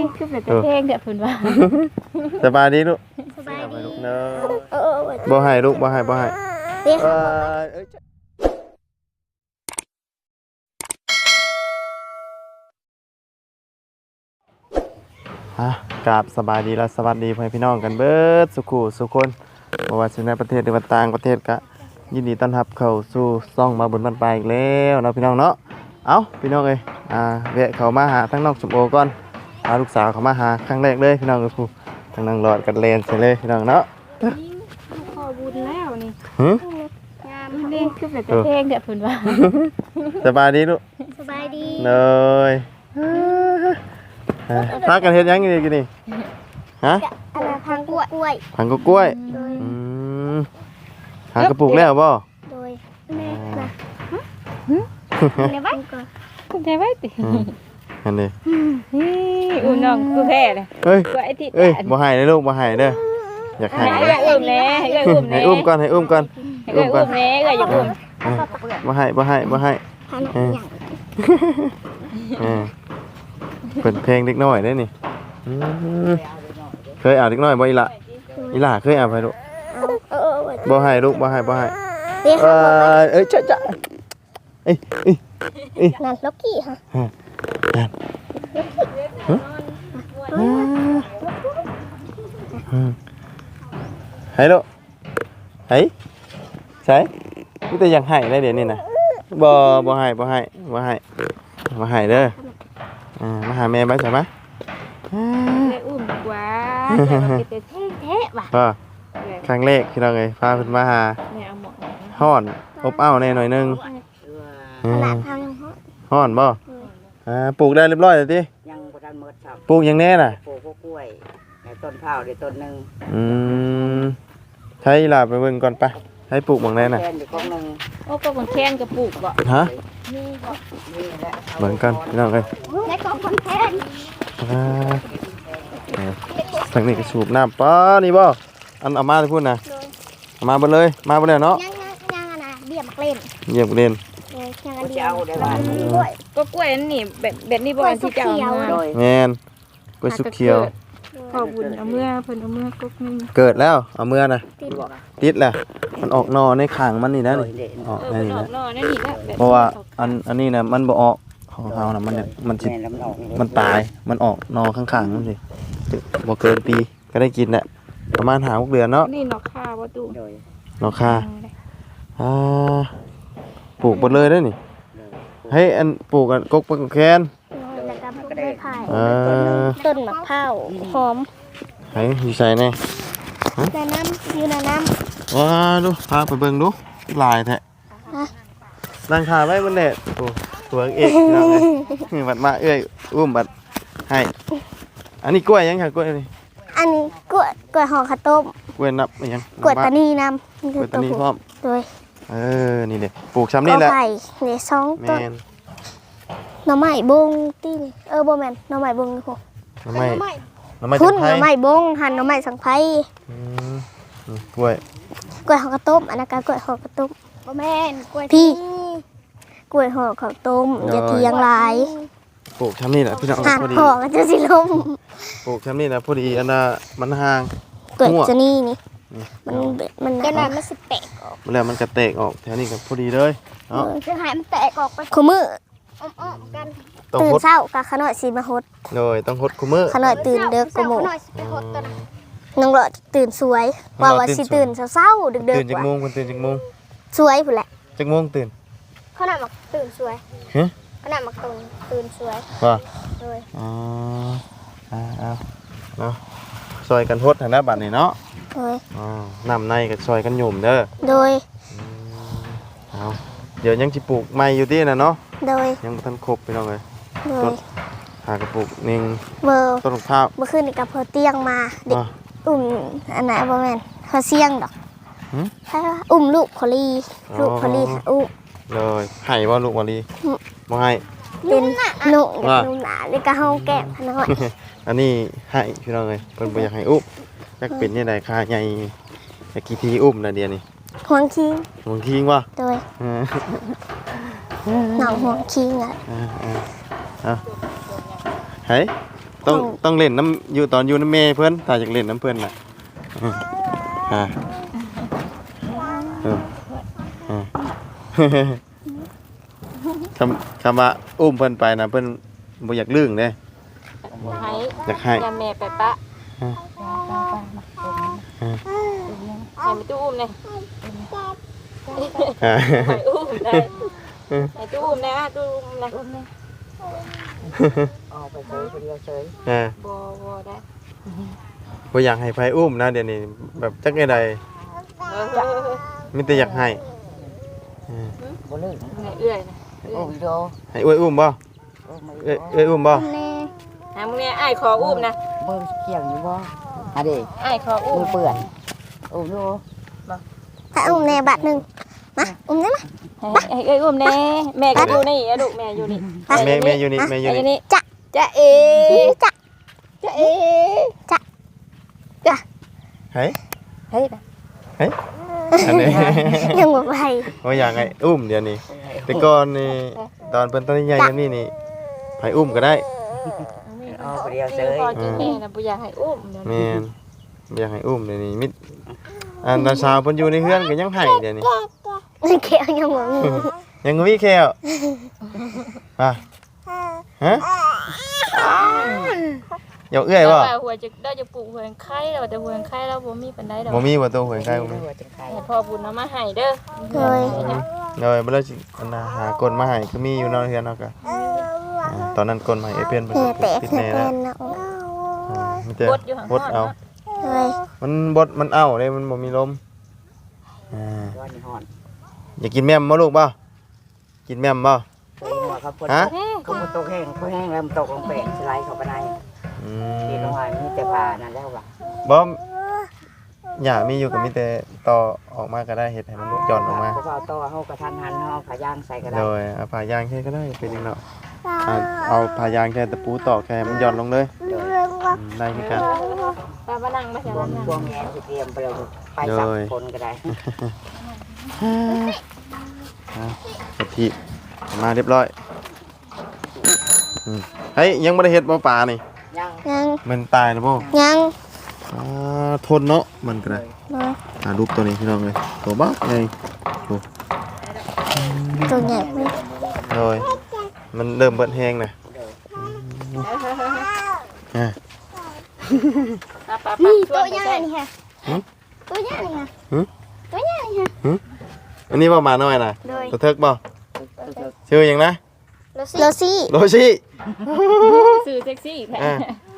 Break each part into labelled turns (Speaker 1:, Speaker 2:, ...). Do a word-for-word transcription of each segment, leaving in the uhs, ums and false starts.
Speaker 1: คือแบบเพลงเดี๋ยวเพิ่นว่า
Speaker 2: สบายดีลูก
Speaker 3: สบายดี
Speaker 2: เนาะ
Speaker 3: เออ
Speaker 2: บ่ให้ลูกบ่ให้บ่ให้
Speaker 3: เดี๋ยว
Speaker 2: เอ่อเอ้ยฮะกราบสบายดีและสวัสดีพ่อแม่พี่น้องกันเบิดสุขุสุคนบ่ว่าสิในประเทศหรือว่าต่างประเทศก็ยินดีต้อนรับเข้าสู่ซ่องมาบนบ้านปลายอีกแล้วเนาะพี่น้องเนาะเอ้าพี่น้องเอ้ยอ่าแวะเข้ามาหาทั้งน้องสมโอก่อนพาลูกสาวเข้ามาหาครั้งแรกเลยพี่น้องเอ้ยผู้ทั้งนางหลอดกันเลนใช่เลยพี่น้องเนาะ
Speaker 1: ขอบุญแล้วนี่
Speaker 2: หึ
Speaker 3: งาม
Speaker 1: เพลงคือแบบเพลงเดี๋ยวเพิ่นว่า
Speaker 2: สบายดีลูก
Speaker 3: สบายดี
Speaker 2: เลยพากันเฮ็ดหยังอยู่นี่ฮะ
Speaker 3: อะไรพังกล้วยกล้วย
Speaker 2: ผังกกล้วย
Speaker 3: โดย
Speaker 2: อืมหากระปุกแล้วบ่
Speaker 3: โดยแม่นะในบ้านก่อน
Speaker 1: คุณใจไว้ติ
Speaker 2: อืมอันนี้
Speaker 1: นี่อุ้มน้องกูแพ้เลย
Speaker 2: เฮ้ย
Speaker 1: กูไอ้ที่
Speaker 2: เอ้ยบ่ให้เลยลูกบ่ให้เด้ออยากให้
Speaker 1: ให้
Speaker 2: เด้อ
Speaker 1: อุ้มแน่ให้อุ้ม
Speaker 2: ให้
Speaker 1: แน่
Speaker 2: อุ้มก่อนให้อุ้มก่อน
Speaker 1: ให้อุ้มแน่ก็อย่าอุ้ม
Speaker 2: เออบ่ให้บ่ให้บ่ให้
Speaker 3: พันอย่าง
Speaker 2: เออเปิดเพลงเด็กน้อยเด้อนี่อืมเคยอ่านเด็กน้อยบ่อีหล่ะอีหล่ะเคยอ่านไปลูก
Speaker 3: เออ
Speaker 2: บ่ให้ลูกบ่ให้บ่ให้
Speaker 3: เดี๋ยว
Speaker 2: เอ้ยเอ้ยจ๊ะจ๊ะเอ้ยเอ้ยเอ้ย
Speaker 3: นั่นล็อกกี้ฮะ
Speaker 2: นั่นเฮ้ยลูกเฮ้ยใช่นี่แต่ยังให้ได้เดี๋ยวนี้นะบ่บ่ให้บ่ให้บ่ให้บ่ให้เด้ออ่ามาหาแม่ไหมใช่ไหม
Speaker 1: เลยอุ้มกว่าแต่ว่าเป็นเพลงแท้ว่ะ
Speaker 2: ก็ครั้งแรกที่เราไงพาเพิ่นมาหา
Speaker 1: แม่เอาหมอน
Speaker 2: ฮ้อนอบอ้าวแน่หน่อยนึง
Speaker 3: ขนาดพังฮะ
Speaker 2: ฮ้อนบ่อ่าปลูกได้เรียบร้อยแล้วติ
Speaker 4: ยังบ่ทันหมดครับ
Speaker 2: ปลูกยังแน่น่ะ
Speaker 4: ปลูกพวกกล้วยในต้นข้าวได้ต้นหนึง
Speaker 2: อืมใช้ลาไปเบิ่งก่อนไปให้ปลูกบางแน่น่ะ
Speaker 4: แทนอยู่กองหนึง
Speaker 1: โอ้ก็บางแค้นกระปุกบ่
Speaker 2: ฮะ
Speaker 4: นี่แหละอา
Speaker 2: เบิ่งกันพี่น้องเอ้ย
Speaker 3: และกองคอนเทนต์
Speaker 2: อ่าเออทางนี้ก็สูบน้ำป้านี่บ่อันเอามาให้พูดนะเอามาเบ่เลยมาบ่แล้วเนาะ
Speaker 3: ยังยังยังนะเบี้ยมักเล่น
Speaker 2: เยี่ยมเรียน
Speaker 3: เลยยังอัน
Speaker 4: จะ
Speaker 3: เดียว
Speaker 4: เอาได้ว่า
Speaker 3: ด้วย
Speaker 1: ก็กล้วยอันนี่แบบแบบนี้บ่อันที่เจ้าเอามา
Speaker 4: โดย
Speaker 2: แม่นกล้วยสุกเขียว
Speaker 1: ขอบุญเอาเมื่อเพิ่นเอาเมื่อกุ๊กนึง
Speaker 2: เกิดแล้วเอาเมื่อนะ
Speaker 3: ติด
Speaker 2: ติดแล้วมันออกหนอในข้างมันนี่นะ
Speaker 4: โด
Speaker 2: นี่
Speaker 4: ยเด่น
Speaker 2: ออก
Speaker 1: เออ
Speaker 2: ใน
Speaker 1: มัน
Speaker 2: นี่
Speaker 1: ออ
Speaker 2: นะ
Speaker 1: กนอกนั่นนี่แหละแบบ
Speaker 2: เพราะว่าอันอันนี้นะมันบ่ออกของเฮานะมันมันสิ
Speaker 4: แม่นแล้วมันออก
Speaker 2: มันตายมันออกหนอข้างๆนั่นสิบ่เกินปีก็ได้กินแหละประมาณห้าหกเดือนเนาะ
Speaker 1: นี่นอกข้าวบ่ตู้
Speaker 4: โดย
Speaker 2: หนอคาอ่าปลูกหมดเลยเด้อนี่ให้อันปลูกกันกกไปกกแคน
Speaker 3: แล้วก็พวกไม้ไผ่
Speaker 2: เออ
Speaker 3: ต้นมะพร้าวหอม
Speaker 2: ให้อยู่ใส่แน่
Speaker 3: ในน้ำอยู่ในน้
Speaker 2: ว้าดูพาไปเบิ่งดูลายแท้นั่งขาไว้บนเน็ตโอ้ตัวเอกพี่น้องเอ้ยบัดมาเอ้ยอุ้มบัดให้อันนี้กล้วยยังค่ะกล้วยนี่
Speaker 3: ำอันนี้กล้วยกล้วยห่อข้าวต้ม
Speaker 2: กล้วยนับยัง
Speaker 3: กล้วยตานีน้ำ
Speaker 2: กล้วยตานีพร้อม
Speaker 3: โดย
Speaker 2: เออนี่เด้ปลูกช้ำนี่แหละ
Speaker 3: ก็ไผ่เนี่ยสอง
Speaker 2: แม
Speaker 3: ต้น
Speaker 2: น
Speaker 3: หน่อไม้บงตีนี่เออบ่แม่นหน่อไม้บงนี่พวก
Speaker 2: น้ำไม้น้ำไม้
Speaker 3: พุ่
Speaker 2: ตะ
Speaker 3: น
Speaker 2: ไค
Speaker 3: ห
Speaker 2: ร้
Speaker 3: น่อไม้บงหั่นหน่อไม้สังไพร
Speaker 2: อืมนี่กล้วย
Speaker 3: กล้วยห่อข้าวต้มอันนั้นก็กล้วยห่อข้าวต้มบ่แม่นกล้วยพี่กล้วยห่อข้าวต้มอย่าเถียงหลาย
Speaker 2: ปลูกช้ำนี่แหละพี่น้อง
Speaker 3: หั่น
Speaker 2: พอดี
Speaker 3: ห่อก็จะสิลม
Speaker 2: ปลูกช้ำนี่แหละพอดีอันน่ะมันห่าง
Speaker 3: กล้วย
Speaker 2: มั่ว
Speaker 3: จะนี่นี่
Speaker 2: นี่
Speaker 3: มันมันจะนั้นมันสิแตกออก
Speaker 2: แล้วมันกระเตกออกแถวนี้ก็พอดีเลยเนาะ
Speaker 3: จะให้มันแตกออกไปคู่มืออ้อมๆกัน
Speaker 2: ต้อง
Speaker 3: ตื่น
Speaker 2: หด
Speaker 3: เช้าก็ขน่อยสิมาหด
Speaker 2: เลยต้องหดคุมือ
Speaker 3: ขน่อยตื่นเด้อกูหมู่
Speaker 2: อืม
Speaker 3: น้องหลอดตื่นสวย
Speaker 2: น้
Speaker 3: ว่า
Speaker 2: องหลอด
Speaker 3: ว่า
Speaker 2: ตื่น
Speaker 3: สิ
Speaker 2: สวย
Speaker 3: ตื่นเช้าๆดึก
Speaker 2: ตื่น
Speaker 3: ๆ
Speaker 2: จาก
Speaker 3: ว่า
Speaker 2: โมงคุณตื่นจากโมง
Speaker 3: สวยพุ่นแหละ
Speaker 2: จากโมงตื่น
Speaker 3: ขนาดมักตื่นสวย
Speaker 2: ฮะ
Speaker 3: ขนาดมักตื่นตื่นสวย
Speaker 2: ว่า
Speaker 3: เลย
Speaker 2: อ๋ออ่าเอาเนาะซอยกันหดฐานะบัตรนี่เนาะ
Speaker 3: โดย
Speaker 2: อ๋อนำในกับซอยกันหยุ่มเด้อ
Speaker 3: โดย
Speaker 2: เอาเดี๋ยวยังสิปลูกใหม่อยู่ที่น่ะเนาะ
Speaker 3: โดย
Speaker 2: ยังบ่ทันครบพี่น้องเอ้ย
Speaker 3: โด
Speaker 2: ต้
Speaker 3: ย
Speaker 2: นหากระปลูกนิ่ง
Speaker 3: เบอร์
Speaker 2: ต้นมะพร้าว
Speaker 3: เมื่อคืนนี่กับเพอเตียงมาเด็ก
Speaker 2: อ่ะ
Speaker 3: อุ่มอันไหนบ่แม่นเขาเสียงดอก
Speaker 2: หืม
Speaker 3: ใช่ปะอุ้มลูกคอลี
Speaker 2: อ๋อ
Speaker 3: ลูกคอลีอุ้ม
Speaker 2: เลยให้บ่ลูกบ่ลี
Speaker 3: อืม
Speaker 2: บ่ให้
Speaker 3: เป็นหนุ่ม
Speaker 2: ว่า
Speaker 3: หนุ่มหนาเลยก็ห้องแก้มพน้อย
Speaker 2: อันนี้ให้พี่น้องเอ้ยเพิ่นบ่อยากให้อุ้มจักเป็นจังได๋ค่าใหญ่จักกี่ทีอุ้มน่ะเดี๋ยวนี้
Speaker 3: ห่วงคิง
Speaker 2: บางทีว่า
Speaker 3: โดย
Speaker 2: เออ
Speaker 3: หนองห่วงคิงอ่ะ
Speaker 2: เออเออเอาเฮ้ยต้องต้องเล่นน้ำอยู่ตอนอยู่น้ำแม่เพิ่นถ้าอยากเล่นน้ำเพิ่นน่ะอืมอ่าเอออ่า คำคำว่าอุ้มเพิ่นไปนะเพิ่นบ่อยากลื่งเด้
Speaker 1: ให้
Speaker 2: อยากให้
Speaker 1: ยาแม่ไปปะให้ไปตู้อุ้มเลย
Speaker 2: อ่า
Speaker 1: ให้อุ้มได้ให้ตู้อุ้มนะตู้อุ้มนะอุ้มนะ
Speaker 4: ออกไปเฉยไปเดียวเฉย
Speaker 2: อ่า
Speaker 1: บ่บ่ได้
Speaker 2: บ่อยากให้ไผอุ้มนะเดี๋ยวนี้แบบจักได๋ใด
Speaker 1: เออ
Speaker 2: มีแต่อยากให้อ่า
Speaker 4: บ่ลื่น
Speaker 1: ให้เอื้อยนะ
Speaker 4: โอ้วิดีโอ
Speaker 2: ให้อ้วยอุ้มบ่
Speaker 4: โอ้ไม่
Speaker 2: เอ้ยเอ้ยอุ้มบ่
Speaker 3: แน่
Speaker 1: หามึงเนี่ยอ้ายขออุ้มนะ
Speaker 4: มือเกี่ยงอยู่บ่อะดิ
Speaker 1: อ้ายขออุ้
Speaker 4: มื
Speaker 1: ม
Speaker 4: อเปื่อนโอ้ดู
Speaker 3: ถ้าอุ้มแน่บัดหนึงมาอุ้มได้มา
Speaker 1: ให้เอ้ยอุ้มแน่แม่ก็อยู่นี่อะลูกแม่อยู่นี่
Speaker 2: แม่แม่อยู่นี่แม่อยู่
Speaker 1: อยู่
Speaker 2: นี่
Speaker 1: นี่
Speaker 3: จะ
Speaker 1: จะเอ
Speaker 3: จะ
Speaker 1: จะเอ
Speaker 2: เฮ้ย
Speaker 1: เฮ้ย
Speaker 2: เฮ้ยอันนี้
Speaker 3: ยังบ่ไป
Speaker 2: บ่อยากให้อุ้มเดี๋ยวนี้แต่ก่อนนี่ตอนเพิ่นตอนใหญ่ๆนี่นี่ไผอุ้มก็ได้
Speaker 4: ออกไปเดียวเฉย
Speaker 1: พอกินแม่นะบ่อยากให้อุ้มเดี๋ยว
Speaker 2: แม่
Speaker 1: นี้
Speaker 2: นบ่อยากให้อุ้มเดี๋ยวนี้มิดอันตาสาวเพิ่นอยู่ในเฮือนก็ยังให้เดี๋ยวนี้
Speaker 3: เขียวยังบ่มี
Speaker 2: ยังมีแควอ่ะฮะอยากเอื้อยบ่
Speaker 1: แต่ว่าหัวจะได้จะปลูกหัวไข่แล้วแต่หัวไข่เราบ่มีปานใดดอก
Speaker 2: บ่มีบ่ตัวหวยใครบ่มี
Speaker 4: ตัวจะใคร
Speaker 1: ให้พ่อบุญเอามาให้เด้อ
Speaker 3: เลย
Speaker 2: เลยบ่ได้สิอันน่ะหากลมาให้คือมีอยู่เนาะเฮือนเนาะก็อ่าตอนนั้นกลมาให้เอเพิ่นเพิ่น
Speaker 3: แม่
Speaker 2: ก็
Speaker 3: แตก
Speaker 2: ติด
Speaker 3: แม่
Speaker 2: แน่
Speaker 3: เป็
Speaker 2: แล้ว
Speaker 3: นเนาะ
Speaker 2: อ่ามีแต่
Speaker 1: บดอยู่ข้าง
Speaker 2: บดเอา
Speaker 3: เลย
Speaker 2: มันบดมันเอาเลยมันบ่มีลมอ่า
Speaker 4: ร้อนนี่ฮ้อน
Speaker 2: อยากกินแม่มบ่ลูกบ่กินแม่มบ่
Speaker 4: ตัวหัวครับคน
Speaker 2: ฮะ
Speaker 4: เขาตกแห้งเขาแห้งแล้วมันตกลงไปสไลด์เข้าไปใน
Speaker 2: อื
Speaker 4: ที่ลง
Speaker 2: ม
Speaker 4: มามีแต่ปลานั่นแล้วว่ะ
Speaker 2: บ่หญ้ามีอยู่ก็มีแต่ต่อออกมาก็ได้เฮ็ดให้มันหย่อนออกมา
Speaker 4: เพราะว่าต่อเฮากระทันหันเฮาผาย่างใส่ก็ได้
Speaker 2: โดยเอาผ้ายางแค่ก็ได้เป็นจังเนาะอ่าเอาผ้ายางแค่ตะปูตอกแค่ให้มันหย่อนลงเลยอืมได้คือกัน
Speaker 1: ปลามานั่งมาจาก
Speaker 4: รว
Speaker 1: นั่
Speaker 4: ม
Speaker 1: ง
Speaker 4: รวมแงนสิเตรียมไปเลยไปสับคนก็ได้
Speaker 2: อ่ะกะทิมาเรียบร้อยอืมเฮ้ยยังบ่ได้เฮ็ดบ่ปลานี่
Speaker 4: ย่าง
Speaker 3: ยัง
Speaker 2: มันตายแล้วบ่
Speaker 3: ยัง
Speaker 2: อ่าทนเนาะมันก็ได้
Speaker 3: เลย
Speaker 2: อ่ารูปตัวนี้พี่น้องเลยตัวบักไงโอ้
Speaker 3: ตัวใหญ่ไหม
Speaker 2: โดยมันเริ่มเบิดแห้งนะอ่ะ
Speaker 1: ปลาปลาปลาชวนไปใส่
Speaker 3: นี่ค่ะตัวใหญ่นี่ค่ะ
Speaker 2: หึ
Speaker 3: ตัวใหญ่นี่ค่ะ
Speaker 2: อันนี้บ่มาหน่อยนะ
Speaker 3: โดย
Speaker 2: ตัวเทิกบ่ชื่อหยังนะ
Speaker 3: โรซี่
Speaker 2: โรชิ
Speaker 1: สื่อเซ็กซี่แท้
Speaker 2: อ่ะ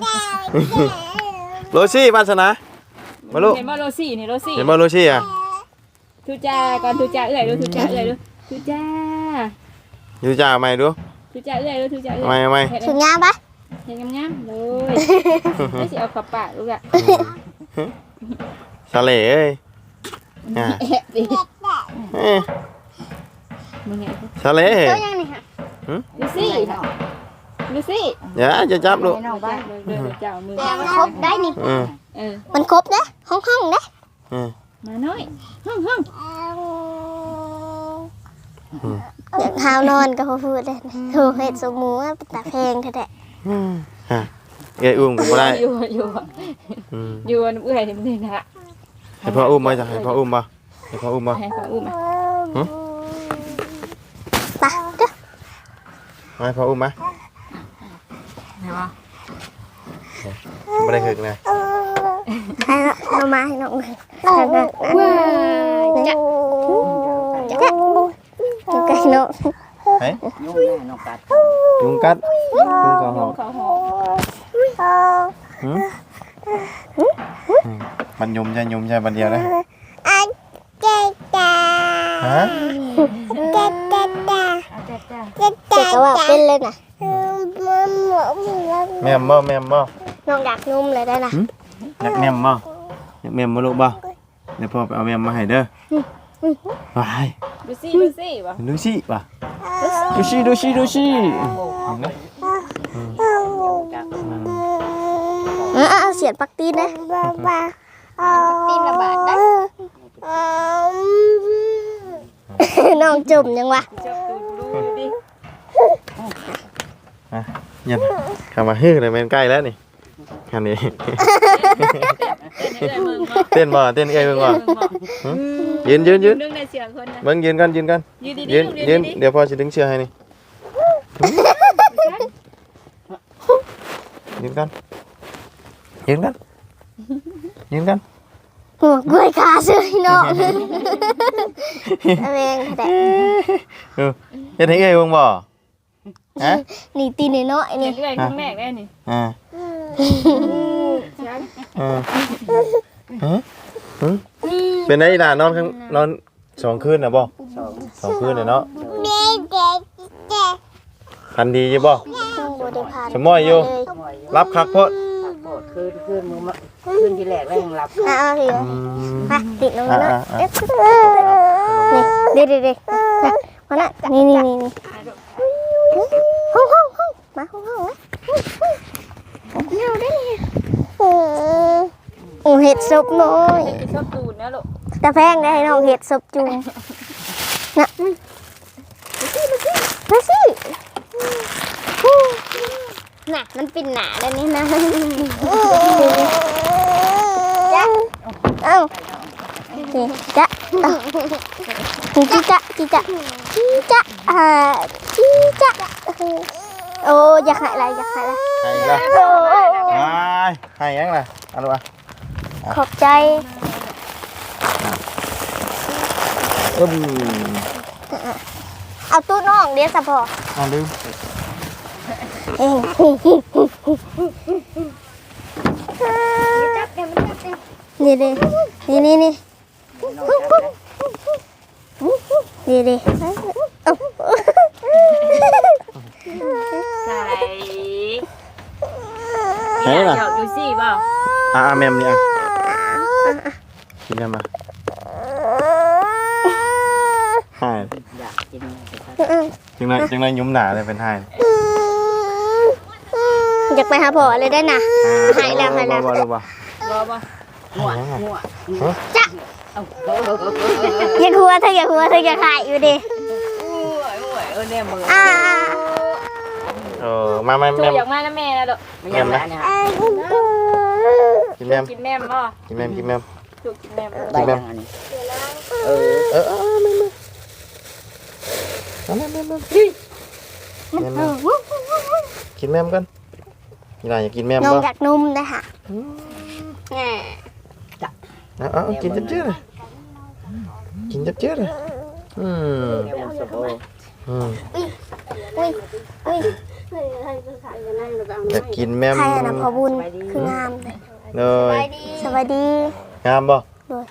Speaker 2: โรชิวาสนามาลูก
Speaker 1: เห็นบ่โรซี่นี่โรซี่
Speaker 2: เห็นบ่โรชิอ่ะ
Speaker 1: ทุจ้าก่อนทุจ้าเอื้อยดูทุจ้าเอื้อยดูทุจ้า
Speaker 2: อยู่จ้าเอาใหม่ดู
Speaker 1: ทุจ้าเอื้อยดูทุจ้าเอื้
Speaker 2: เอาใหม่เอาใหม่
Speaker 1: เฮ็ด
Speaker 3: ถึงงามปะ
Speaker 1: เฮ็ดงามๆเลยไม่สิเอาเข้าปากลูกอ่ะ
Speaker 2: สะเหล่เอ้ยอ่ะ
Speaker 1: แอะดิ
Speaker 2: เอ้ย
Speaker 1: มึงไง
Speaker 2: สะเหล่
Speaker 3: ตัวใหญ่นี่ค่ะ
Speaker 1: ดูซี่ดูซี่
Speaker 2: อย่าจะจับลูก
Speaker 1: น้องบ้านเดินเจ้ามือ
Speaker 3: แต่มันครบได้นี่
Speaker 2: อืม
Speaker 1: เออ
Speaker 3: มันครบนะห้องห้องๆนะ
Speaker 2: อืม
Speaker 1: มาน้อยห้องห้อง
Speaker 3: อยากหาวนอนก็พอพูดเลยโอ้เห็ดสมูว่าตาแพงแท้
Speaker 2: อืมอ่ะเอ้ยอุ้มก็บ่ได้
Speaker 1: อยู่อยู่
Speaker 2: อืม
Speaker 1: อยู่อันเอื้อยนี่มันนี่นะ
Speaker 2: ให้พ่ออุ้มมาจ้ะให้พ่ออุ้มมาให้พ่ออุ้มมา
Speaker 1: ให้เขาอุ้มมา
Speaker 3: ๆไปเด้อ
Speaker 2: ให้พ่ออุ้มมา
Speaker 1: ไหนวะ
Speaker 2: ไม่ได้หึกนะ
Speaker 3: ให้เรามาให้น้องเลย
Speaker 1: ว้ายจะ
Speaker 3: จะจะจะไก่น้อง
Speaker 2: เฮ้ย
Speaker 4: ยุ่งแน่นองกัด
Speaker 2: ยุงกัดยุงกระหอบ
Speaker 1: เขาหอม
Speaker 2: หืมอืมมันยมใช่ยมใช่บันเดียวนะ
Speaker 3: อันเจ๊จ้า
Speaker 2: ฮะ
Speaker 3: เจ๊จ้าจ้า
Speaker 1: จ้าจ้า
Speaker 3: เจ๊จ้าก็ว่าเป็นเลยนะ
Speaker 2: แม่มบ่แม่มบ่
Speaker 3: น้องอยากนุ่มเลยได้นะ
Speaker 2: อยากแม่มบ่อยากแม่มบ่ลูกบ่เดี๋ยวพ่อไปเอาแม่มมาให้เด้อไป
Speaker 1: ดูซี่ดูซี่วะ
Speaker 2: ดูสิป่ะดูสิดูสิดูสิ
Speaker 3: เออเอาเสียนปักตีนนะปักตีนระบาดนะน้องจุ่มยังวะ
Speaker 1: จับตูดดูดิ
Speaker 2: ยันคำว่าฮื้อเลยแม่นใกล้แล้วนี่อันนี้
Speaker 1: เต้นเอ้ยมึงบ่
Speaker 2: เต้นบ่เต้นเอ้ยเบิ่งบ่
Speaker 1: เบิ่งบ่
Speaker 2: หึยืนยืนยืน
Speaker 1: ดึงในเสียงคนนะ
Speaker 2: เบิ่งยืนกันยืนกัน
Speaker 1: ยืนดี
Speaker 2: ยืน
Speaker 1: ๆ
Speaker 2: ยืน
Speaker 1: ดีๆ
Speaker 2: เดี๋ยวพ่อสิดึงเชือกให้นี่ยืนกันยืนกันยืนกัน
Speaker 3: หัวกล้วยขาซื้อเนาะแมงแต่
Speaker 2: เออเฮ็ดให้เอ้ยเบิ่งบ่ฮะ
Speaker 3: นี่ตีนน้อยๆ
Speaker 1: เห็
Speaker 3: นี่
Speaker 1: นเอ้ยคนแรกได้นี่
Speaker 2: อ่า
Speaker 1: เสียง
Speaker 2: เออฮะหึเป็นไงล่ะนอนข้างนอนสองคืนน่ะบ่
Speaker 4: สอง
Speaker 2: สองคืนน่ะเนาะ
Speaker 3: เด็กเด็กเด็ก
Speaker 2: พันดีอยู่บ่
Speaker 3: ซึ่งบริพาร
Speaker 2: สมอยอยู่
Speaker 4: หมอยอยู่
Speaker 2: รับคักโพด
Speaker 4: ผักโปดคืนคืนมือมาคืนที่แรกแล้วยังหลับ
Speaker 3: อ่ะเอาสิ
Speaker 2: อืม
Speaker 3: มาติดลงมาหน่อย
Speaker 2: อ่ะอ่ะ
Speaker 3: เอ๊ะนี่เด็กเด็กๆนะมาละนี่นี่นี่นี่ห้องห้องห้องมาห้องห้องนะเงาได้เลยโอ้เห็ดซุปน้อย
Speaker 1: จะชอบดูดนะลูก
Speaker 3: ตะแพงได้ให้น้องเห็ดซุปจุ่มน่ะมาสิน่ะมันเป็นหนาแล้วนี่นะจ้ะเอ้านี่จ้ะเอ้าจีจ้ะจีจ้ะจีจ้ะอ่าจีจ้ะโอ้อยากหายอะไรอยากหายอะไร
Speaker 2: ให้อีกละ
Speaker 3: โอ้
Speaker 2: ไปให้ยังล่ะเอาลูกอ่ะ
Speaker 3: ขอบใจ
Speaker 2: อึ้ม
Speaker 3: เอาตู้น้องเดี๋ยวสะพอ
Speaker 2: เอาลืม
Speaker 3: เอ้ยนี่ดินี่นี่นี่นี่ดิ
Speaker 1: ใส่
Speaker 2: ให้ล่ะ
Speaker 1: หยอกดูสิบ่
Speaker 2: อ่าแมมนี่อ่ะกินแมมมาให้
Speaker 4: อยากกิน
Speaker 2: จังไรจังไรยุ่มหนาเลยเป็นให้
Speaker 3: อยากไปหาพ่อเลยได้น่ะ หายแล้วหายแล้ว
Speaker 2: บ่บ่บ่บ่
Speaker 1: บ่บ่
Speaker 4: หัวหัว
Speaker 3: จ้ะ
Speaker 4: เอา
Speaker 3: อย่าหัวเธออย่าหัวเธออย่าขายอยู่ดิ
Speaker 1: โอ้ยโอ้ยเออเนี่ยมึง
Speaker 3: อ่า
Speaker 2: เออมาแมม
Speaker 1: จู
Speaker 2: แมม
Speaker 1: อยากมานะแม่นะลูก
Speaker 4: ไม่ยังละเนี่ย
Speaker 2: กินแมม
Speaker 1: กินแม่มบ่
Speaker 2: กินแมมกินแมม
Speaker 1: จูกินแม่ม
Speaker 4: ได้ยังอันนี้เออ
Speaker 2: เออเออแมมแมมแมมแมมแมมกินแมมกันนี่ล่ะอยากกินแมม
Speaker 3: น้อง
Speaker 2: บ่
Speaker 3: อยากนุ่มนะฮะ
Speaker 2: เอาเอากินจับเจื้อเลยกินจับเจื้อเลยอืม
Speaker 4: แกมันสบาย
Speaker 2: อืม
Speaker 3: อุ้ยอุ้ย
Speaker 2: อยากกินแมม
Speaker 3: ใครอะนะพอบุญคืองามเลย
Speaker 2: เลย
Speaker 3: สวัสดี
Speaker 2: งามบ่
Speaker 3: โดย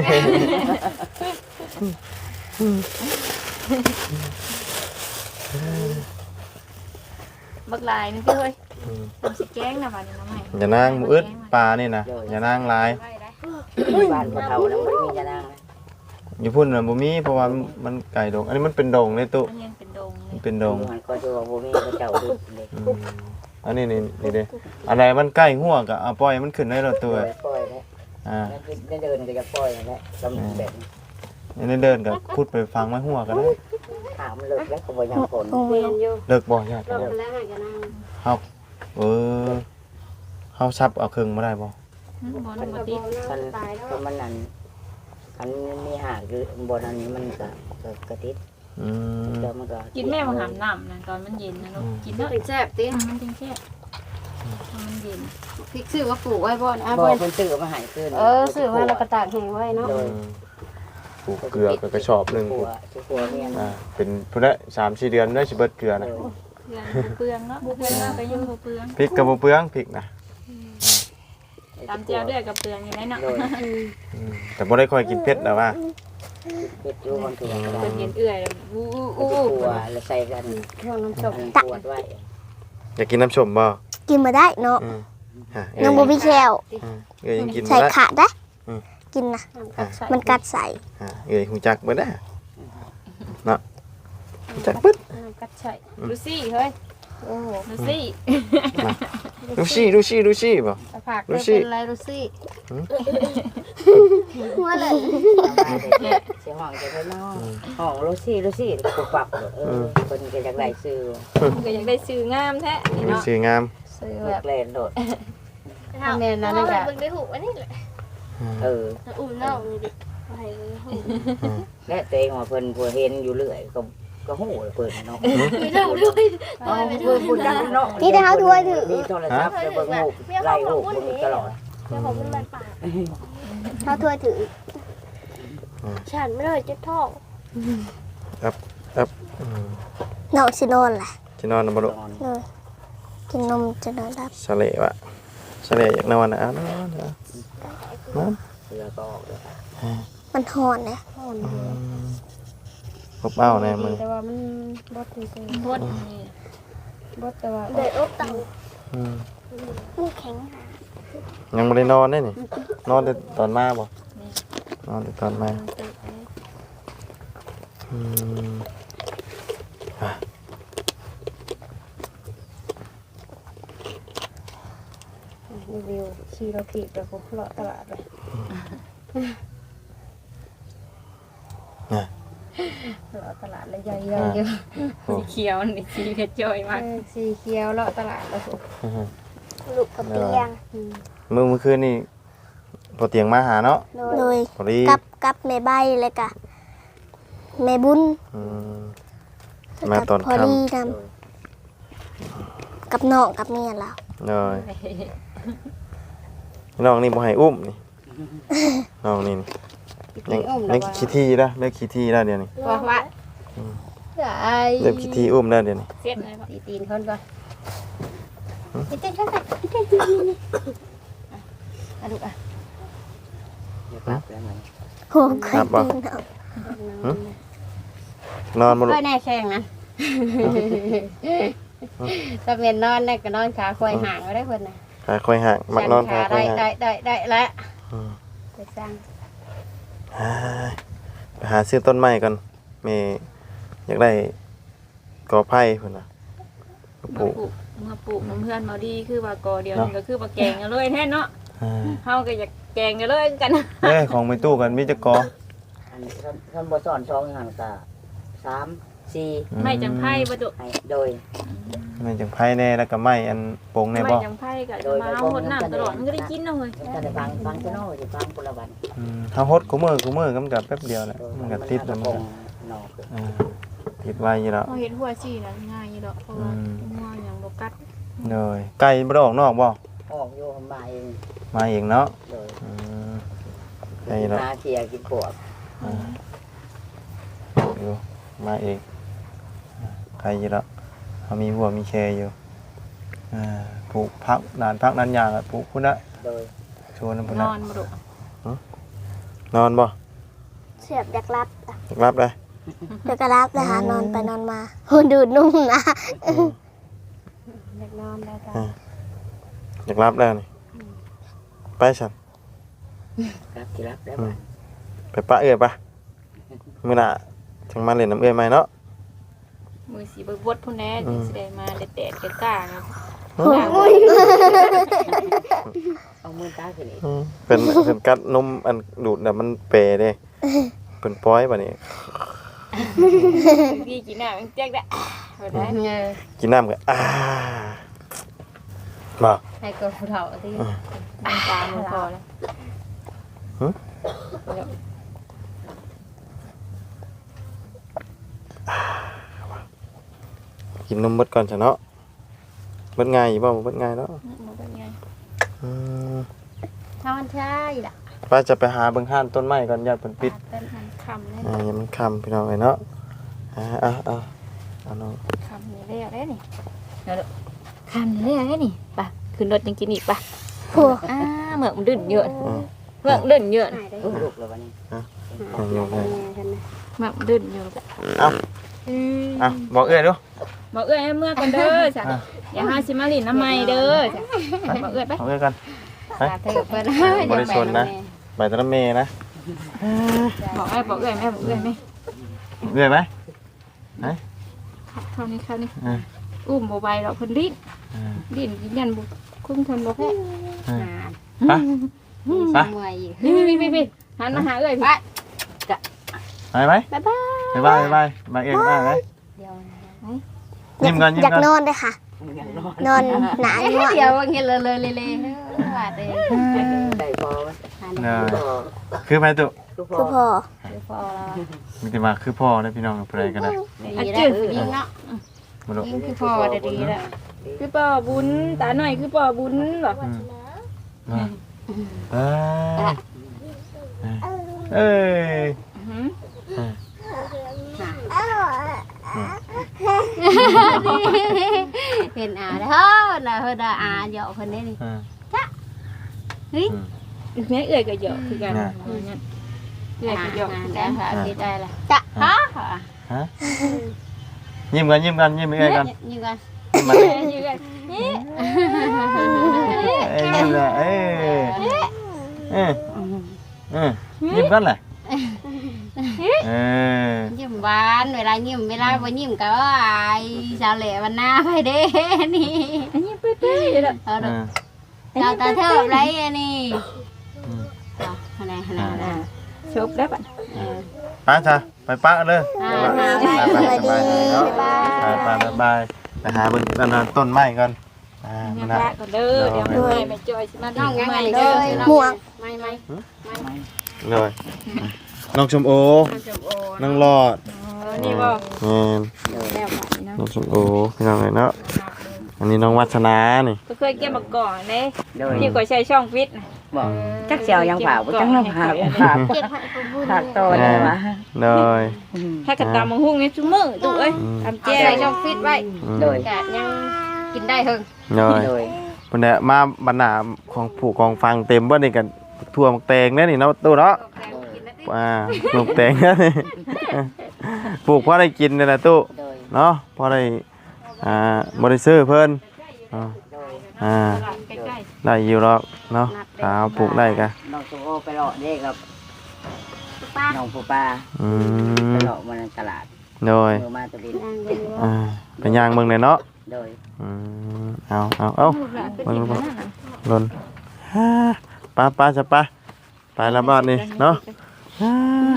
Speaker 1: บักลายนึงพี่เฮ้ยทำสิแกงนะมาเนี่ยน้องใหม่
Speaker 2: อย่านางมืออึดปลานี่นะอย่านางลาย
Speaker 4: บ้านพอเท่าแล้วไม่มีจะนั่ง
Speaker 2: อยู่พุ่นน่ะบ่มีเพราะว่ามันไก่ดงอันนี้มันเป็นดงเลยตุ
Speaker 1: มันยังเป็นดงเล
Speaker 2: มั
Speaker 1: ย
Speaker 2: นเป็นดง
Speaker 4: มันก็จะว่าบ่มีก็เจ้าดุเลย
Speaker 2: อืมอันนี้นี่นี่เด้อะไรมันใกล้หัวก็เอาปล่อยมันขึ้นได้แล้วตัว
Speaker 4: ปล่อยแล้ว
Speaker 2: อ่า
Speaker 4: ได้เดินก็จะปล่อยแล้วลำแบบ
Speaker 2: อันนี้เดินก็พูดไปฟังไว้หัวก็ได้
Speaker 4: ถามเลิกแล้วก็บ่ยังคน
Speaker 3: โอ้ย
Speaker 2: เลิกบ่ยากเฮาเออเฮาซับเอาครึ่งบ่ได้บ่
Speaker 1: บ่นบ่ติด
Speaker 4: คันคันมันนั่นคันมีหาคือบนอันนี้มันก็กระติด
Speaker 2: อืม
Speaker 4: แล้วมันก็
Speaker 1: กินแม่มาหามน้ำนะตอนมันเย็นนะลูกกินเนาะ
Speaker 5: แซ่บติ
Speaker 1: มันจริงแค่มันเย็น
Speaker 5: พริกซื้อว่าปลูกไว้บ่นะ
Speaker 4: บ่
Speaker 5: บ่
Speaker 4: คนซื้อมาหายขึ้น
Speaker 5: เออซื้อมาแล้วก็ตากแห้งไว้เนาะ
Speaker 2: อืมปลูกเกลือก็กระสอบหนึง
Speaker 4: หัวที่หัวเมียน
Speaker 2: อ่าเป็นพุ่นละสามสี่เดือนได้สิเบิดเกลือนะ
Speaker 1: เปลืองเนาะเปลืองก็ยังบ่เปลือง
Speaker 2: พริกก็บ่เปลืองพริกนะ
Speaker 1: ตามเจียวด้วยกับเปลืองอยู่ไหนเนาะ
Speaker 2: อืมแต่บ่ได้ค่อยกินเผ็ดแล้วว่า
Speaker 4: เฮ็ดอยู่คนตัวกระดา
Speaker 1: เป็นเย็นเอื่อยอู้
Speaker 4: อู้
Speaker 1: อู้
Speaker 4: หัวแล้วใส่กัน
Speaker 5: ช่วงน้ำส้ม
Speaker 4: ปวดไว้
Speaker 2: อยากกินน้ำส้มบ่
Speaker 3: กินมาได้เนาะ
Speaker 2: อืมฮะ
Speaker 3: น้องบ่มีแคล
Speaker 2: อืมเอ้ยยังกิน
Speaker 3: ใส่
Speaker 2: บ่ได้
Speaker 3: ขาดได้
Speaker 2: อืม
Speaker 3: กินนะ
Speaker 2: อ่ะ
Speaker 3: มันกัดใส่
Speaker 2: อ่ะเอ้ยฮู้จักเบิดเด้อเนาะฮู้จักเบิด
Speaker 1: กัดใช่ดูสิเฮ้ย
Speaker 5: โอ้
Speaker 1: ดูสิ
Speaker 2: ดูชี่ดูชี่ดูชี่บ่
Speaker 5: ตะผักเธอเป็นไรรู้สิ
Speaker 3: หัวเลย
Speaker 4: เสียงห้องจะไปนอกห้องลูซี่ลูซี่ปุบปับเออคนก็อยากได้ซื้อ
Speaker 1: ก็อยากได้ชื่องามแท้นี่
Speaker 2: ดู
Speaker 1: เนาะ
Speaker 2: ชี่งาม
Speaker 5: ซื้อ
Speaker 4: แบ
Speaker 5: แบบ
Speaker 4: บเล่นโดด
Speaker 5: ทำเมนนั้นเลย
Speaker 1: แบ
Speaker 5: อะ
Speaker 1: บเบิ่งได้หูอันนี้แหละ
Speaker 4: เออ
Speaker 1: อุ้มน้องนี่ดิไปหู
Speaker 4: และตัวเองว่าเพิ่นผู้เห็นอยู่เรื่อยก็ก็หูเพิ่นเนาะ
Speaker 1: ไม่เล่าด้วย
Speaker 4: เอาเพิ่นผู้จักเนาะ
Speaker 3: นี่แต่เขาถ้วยถือ
Speaker 4: มีโทรศัพท์จะเบิ่งหูไล่หูเบิ่งตลอด
Speaker 1: เจ้าของมันมันปาก
Speaker 3: เขาถ้วยถือ
Speaker 1: ฉันไม่เลยจะท้อง
Speaker 2: อืม
Speaker 3: น้องสินอนแหละ
Speaker 2: สินอนบ่ลูก
Speaker 3: เลยกินนมจะนอนรับ
Speaker 2: สะเลวะสะเลอยากนอนนะเอานอนนะนอน
Speaker 4: เสือก็ออกเลย
Speaker 3: มันหอนนะ
Speaker 2: พบเอ้าแน่มึง
Speaker 5: แต่ว่ามันบดที่ซื้อบ
Speaker 1: ดนี่
Speaker 5: บดแต่ว่า
Speaker 3: เด็ดอบตัง
Speaker 2: อืม
Speaker 3: มันแข็ง
Speaker 2: ยังไม่ได้นอนได้นี่นอนแต่ตอนมาบ่นอนแต่ตอนมาอืมอ่ะ
Speaker 5: รีวิวชีโรพีแบบผมเลาะตลาดเลยเลาะตลาดเลยใหญ่ๆเยอะ
Speaker 1: สีเขียวนี่สีเพชรจอยมาก
Speaker 5: สีเขียวเลาะตลาดแล้วผม
Speaker 2: อืม
Speaker 3: ลูกกับเตียง
Speaker 2: มื้อเมื่อคืนนี่พอเตียงมาหาเนาะ
Speaker 3: เลย
Speaker 2: พอดี
Speaker 3: กับกับแม่ใบเลยกะแม่บุญ
Speaker 2: อืม มาตอน
Speaker 3: พอ
Speaker 2: ค่ำ
Speaker 3: ดีนำกับน้องกับเมียเรา
Speaker 2: เลยน้องนี่บ่ให้อุ้มนี่น้องนี่นี่ยัง
Speaker 5: อุ้ม
Speaker 2: ยังขี้ที่แล้วเลิกขี้ที่แล้วเดี๋ยวนี้
Speaker 5: ว่าว่าไอ้
Speaker 2: เลิกขี้ที่อุ้มแล้วเดี๋ยวนี้
Speaker 1: เสียดเลยปะ
Speaker 5: ตีตีนคนก่อน
Speaker 3: เต้นกันไปเต้น
Speaker 5: อะลูกอ่ะ
Speaker 4: อย่าปรับแล้วมัน
Speaker 3: โหเคยตีนเอา
Speaker 2: นอนบ่ลู
Speaker 5: ก็
Speaker 2: ก
Speaker 5: แน่แข่งนะตะเมียนนอนเนี่ยก็นอนขาควายห่างไว้ได้คนน่ะ
Speaker 2: ขาค่อยห่างมักนอนขาค่
Speaker 5: ได้
Speaker 2: อยห่าง
Speaker 5: ได้ได้ได้แล้ว
Speaker 2: อืม
Speaker 5: ไปสร้าง
Speaker 2: อ่าไปหาซื้อต้นไม้ก่อนแม่อยากได้กอไผ่พุ่นน่ะป
Speaker 1: มา
Speaker 2: ลูก
Speaker 1: ปลูกมาปลูกน้ำเพื่อนมาดีคือว่ากอเดียวนี่ก็คือว่าแกงกันเลยแท้เนาะ
Speaker 2: อ่า
Speaker 1: เฮาก็อยากแกงกันเลยกัน
Speaker 2: เอ้ยของไม่ตู้กันมีจักกอ
Speaker 4: อันท่านท่านบ่สอนสองอย่างก็สามสี่
Speaker 2: อื
Speaker 1: ไม่จังไพ่ประตู
Speaker 4: ให้โดย
Speaker 2: ไม่จังไผ่แน่แล้วก็ไม้อันโป่งแน่
Speaker 1: ไม่
Speaker 2: บ่
Speaker 1: จังไพ่ก็จะมาหดน้ำตลอดมันก็ได้กินเอาเลย
Speaker 4: ถ้าได้ฟังฟังจะโน่จะฟังคนละวัน
Speaker 2: อืมเฮาฮดกูมือกูมือก็มันก็แป๊บเดียวแหละมันก็ติดแล้วมันก็
Speaker 4: นอก
Speaker 2: อ่าติดไว้อยู่แล้ว
Speaker 1: เราเห็นหัวสีนะง่ายอยู่ดอกเพราะว่าหัวอย่างบกัด
Speaker 2: เลยไก่บ่ได้ออกนอกบ่
Speaker 4: ออกโยมมาเอง
Speaker 2: มาเองเนาะ
Speaker 4: โดย
Speaker 2: อืมไก่เนาะ
Speaker 4: นาเคียกินปวด
Speaker 2: อ่าอยู่มาเองอ่าไก่อยู่แล้วเฮามีหัวมีแคอยู่อ่าปลูกพักนานพักนานยางอะปลูกพุ่นน่ะ
Speaker 4: โดย
Speaker 2: ชวนพุ่น
Speaker 1: น
Speaker 2: น่ะ
Speaker 1: อนบ่ดุ
Speaker 2: นอนบ่
Speaker 3: เสียบอยากรับ
Speaker 2: รับเลย
Speaker 3: เดี๋ยวก็รับเลยหานอนไปนอนมาโหดูดนุ่มนะ
Speaker 5: เด็กนอนได้จ้ะ
Speaker 2: อยากรับแล้วนี่ไปฉัน
Speaker 4: รับที่รับแล้วบ้าน
Speaker 2: ไปปะเอื้อยปะมื้อหน้าจังมาเล่นน้ำเอื้อยใหม่เนาะ
Speaker 1: มือสีเบิกบดพุ่นแน่ถึงสิได้มาแดดๆกล้าๆนะ
Speaker 4: เอามือตาขึ้นอีก
Speaker 2: อืมเป็นเป็นกัดนมอันดูดน่ะมันเปรเด้เป็นป้อยบัดนี้
Speaker 1: พี่กินน้ำมันแจ๊กได้บ่ได้
Speaker 5: เงย
Speaker 2: กินน้ำก็อ่าบ่
Speaker 5: ให้กับผู้เฒ่าที่
Speaker 1: น้ำตามันพอแล้ว
Speaker 2: กินนมเบิดก่อนซะเนาะเบิดง่ายอยู่บ่เบิดง่ายเนาะ
Speaker 1: มันเป็นไง
Speaker 2: อืม
Speaker 5: ถ้ามันใช่ล่ะ
Speaker 2: ป้าจะไปหาเบิ่งห้านต้นไม้ก่อนญาติเพิ่นปิด
Speaker 1: เป็นมันคำเลย
Speaker 2: อ่ายังมันค่ำพี่น้องเอ้ยเนาะอ่าอ่าอ่าเอาน้อง
Speaker 1: คำนี่เรียกได้นี่เดี๋ยวคำนี่เรียกได้นี่ไปขึ้นรถยังกินอีกปะ
Speaker 3: ผัว
Speaker 1: อ่าเหมือกมันดื่นเยอะเหมือกดื่นเยอะ
Speaker 5: หายได้
Speaker 4: ลูกแล้ววันนี้
Speaker 2: เอายกให้
Speaker 1: เหมือกมันดื่นเยอะ
Speaker 2: เอาอ่ะบอกเอ้ยดู
Speaker 1: บอกเอ้ยเมื่อกันเด้อจ้ะอย่าหาสิมาลินน้ำไม่เด้อจ้ะบอกเอ้ยไป
Speaker 2: บอกเอ้ยกัน
Speaker 5: ตาเธอเพิ่น
Speaker 2: บริชนนะใบตะละเมนะ
Speaker 1: บอกเอ้ยบอกเอ้ยแม่บอกเอ้ยไหม
Speaker 2: เรื่อยไหม
Speaker 1: เข้านี่เข้านี่
Speaker 2: อ่า
Speaker 1: อุ้มบ่ไหวดอกเพิ่นดิ้น
Speaker 2: อ่า
Speaker 1: ดิ้นกินยันบ่คุ้มทนบ่แพ้
Speaker 2: อ่า
Speaker 4: นาน
Speaker 2: ไป
Speaker 4: เมื่อยอีก
Speaker 1: นี่ๆๆๆหันมาหาเอ้ยพี่
Speaker 2: ไปไหม
Speaker 3: บ๊ายบาย
Speaker 2: ไปไปไปมาเองได้ไหม
Speaker 4: เดียว
Speaker 2: ยิ้มก่อนยิ้ม
Speaker 3: อยาก
Speaker 2: ก่อน
Speaker 3: นอนเลยค่ะ
Speaker 4: ยังนอน
Speaker 3: นอนหนาง่วง
Speaker 4: เดียวเงี้ยเลยเลยเลยเลยว่าเด้ได้พอมั้ย
Speaker 2: เนยคือไปตุ
Speaker 4: คือพ
Speaker 3: คือพ
Speaker 4: อ
Speaker 3: อ
Speaker 4: คือพอแล้ว
Speaker 2: มีแต่มาคือพ่อได้พี่น้องกับอะไรก็ได้
Speaker 4: ดีแล้วยิงเนาะ
Speaker 2: มาดู
Speaker 4: ยิงคือพอได้ดีแล้ว
Speaker 1: คือป่อบุญตาหน่อยคือป่อบุญบ่
Speaker 2: อืมมาเอ้ยเอ้ย
Speaker 1: หือ
Speaker 3: เห็นอาเด้อนะเพิ่นว่าอาเหยาะเพิ่นได้นี่
Speaker 2: อ่า
Speaker 3: เฮ้ย
Speaker 1: แม่เอ้ยก็เยอะคือกันเอ้ยก็เยอะคือกัน
Speaker 3: ค่ะคิดได้ละจะฮะ
Speaker 2: ฮะยิ้มกันยิ้มกันยิ้มเอ้ยกัน
Speaker 3: ยิงกัน
Speaker 2: ยิ้มมา
Speaker 1: เอ้ยอยู่กันนี่
Speaker 2: เอ้ยยิ้มเลยเอ้ยเอ้ยเอ้ยยิ้มกันแหละเอ้ย
Speaker 3: ยิ้มหวานเวลายิ้มเวลาบ่ยิ้มก็ว่าไอ้สาวแหล่วันหน้าไปเด้นี่
Speaker 1: อันนี้เป๊ะๆแล้ว
Speaker 3: เอาด
Speaker 2: อ่า
Speaker 3: อกเราตาเทิบไรอันนี้เอาขนาดขนาด
Speaker 1: อ่าชบแล้วป่ะ
Speaker 2: ไปจ้ะไปปะเลย
Speaker 3: อ่า
Speaker 2: ไปไปสบายเลยเนาะไปไปไปไปไปหาบนต้นไม้ก่อนอ่า
Speaker 1: ยั
Speaker 2: มัน
Speaker 1: ง
Speaker 2: น่ะ
Speaker 1: ละก่อนเด้อเดี๋ยวแม่แม่จอยสิมา
Speaker 3: น้องยัง
Speaker 1: ให
Speaker 3: ไง
Speaker 1: ม่
Speaker 3: เล
Speaker 1: เด้อย
Speaker 3: หมวกไม่ไม่
Speaker 2: เลยน้องชมโอน้องหลอด
Speaker 1: นี่บ่
Speaker 2: แม่น
Speaker 1: เดี๋ยวแล้วป่ะนี่เนาะ
Speaker 2: น้องชมโอพี่น้องเลยเนาะอันนี้น้องวัฒนานี่
Speaker 1: ก็เคยเก็บมาก่อนเด้
Speaker 4: โดย
Speaker 1: ที่ก็ใช้ช่องฟิต
Speaker 4: บอกจักเสียวยังเผาจังน้ำผาผา
Speaker 3: เก็บให้กูบุญ
Speaker 4: ผาโตเลยวะ
Speaker 2: เลย
Speaker 1: ถ้ากระตำมังหุ้งนี่ซุมื้อตู้เอ้ยทำแจ้ช่องฟิตไว้
Speaker 2: อืม
Speaker 4: โดย
Speaker 3: กะยังกินได้เฮิง
Speaker 2: เลย
Speaker 4: โดย
Speaker 2: วันนี้มาบรรณาของผู้กองฟังเต็มบ่นี่กันทั่วมักแตงแน่นี่เนาะตู้เนาะอ่าปลูกแตงแน่นี่ปลูกพอได้กินนี่แหละตู้
Speaker 4: โดย
Speaker 2: เนาะพอได้อ่าบ่ได้ซื้อเพิ่นอ่า
Speaker 4: โดย
Speaker 2: อ่า
Speaker 1: ใกล้
Speaker 2: ได้อยู่หรอกเนาะถ้าเอาปลูกได้ก็
Speaker 4: น้องสุโอไปหลอกเด็กกับน้องปูปลา
Speaker 2: อื
Speaker 4: ไป
Speaker 2: ม
Speaker 4: หลอกมาในตลาด
Speaker 2: โดย
Speaker 4: มือมาตัวดิน
Speaker 2: อ่าไปย่างเบิ่งเลยเนาะ
Speaker 4: โดย
Speaker 2: อืมเอาเอาเอา
Speaker 1: ๆ
Speaker 2: เบิ่งบ่หล่นฮ่าไป้าป้าจะไป้าไปละบ้านนี่เนาะฮ่าง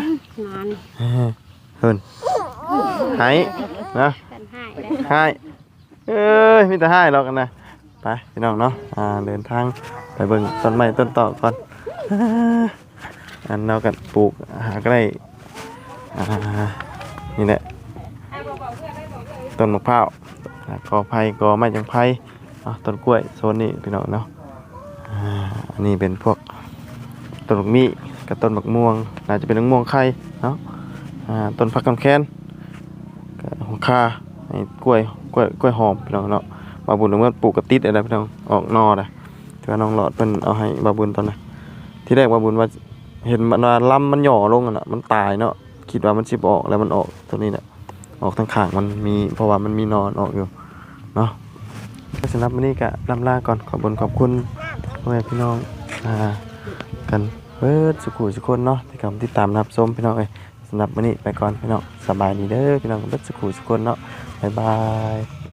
Speaker 3: าน
Speaker 2: เฮ้ยเพิ่นหายนะ
Speaker 3: กันให้
Speaker 2: หายเอ้ยมีแต่หายหรอกกันนะไปพี่น้องเนาะอ่าเดินทางไปเบิ่งต้นไม้ต้นตอกก่อนฮ่าอันเรากันปลูกหาก็ได้อ่านี่แหละต้นมะพร้าวอ่ากอไผ่กอไม้จังไผ่อ่ะต้นกล้วยโซนนี้พี่น้องเนาะอ่าอันนี้เป็นพวกต้นบักมี่กับต้นบักม่วงน่าจะเป็นมะม่วงไข่เนาะอ่าต้นผักกำแคนกับหัวคาไอ้กล้วยกล้วยกล้วยหอมพี่น้องเนาะบาบุญเมื่อปลูกกระติดอะไรพี่น้องออกนอได้ที่ว่าน้องหลอดเพิ่นเอาให้บาบุญตอนนั้นที่แรกบาบุญว่าเห็นมันว่าลำมันหย่อลงอ่ะน่ะมันตายเนาะคิดว่ามันสิบ่ออกแล้วมันออกตัวนี้แหละออกทางข้างมันมีเพราะว่ามันมีนอนออกอยู่เนาะก็สำหรับวันนี้ก็ลำลาก่อนขอบคุณขอบคุณพ่อแม่พี่น้องอ่ากันเบิดสุขุสุคนเนาะที่กำติดตามรับชมพี่น้องเอ้ยสำหรับวันนี้ไปก่อนพี่น้องสบายดีเด้อพี่น้องเบิดสุขุสุคนเนาะบ๊ายบาย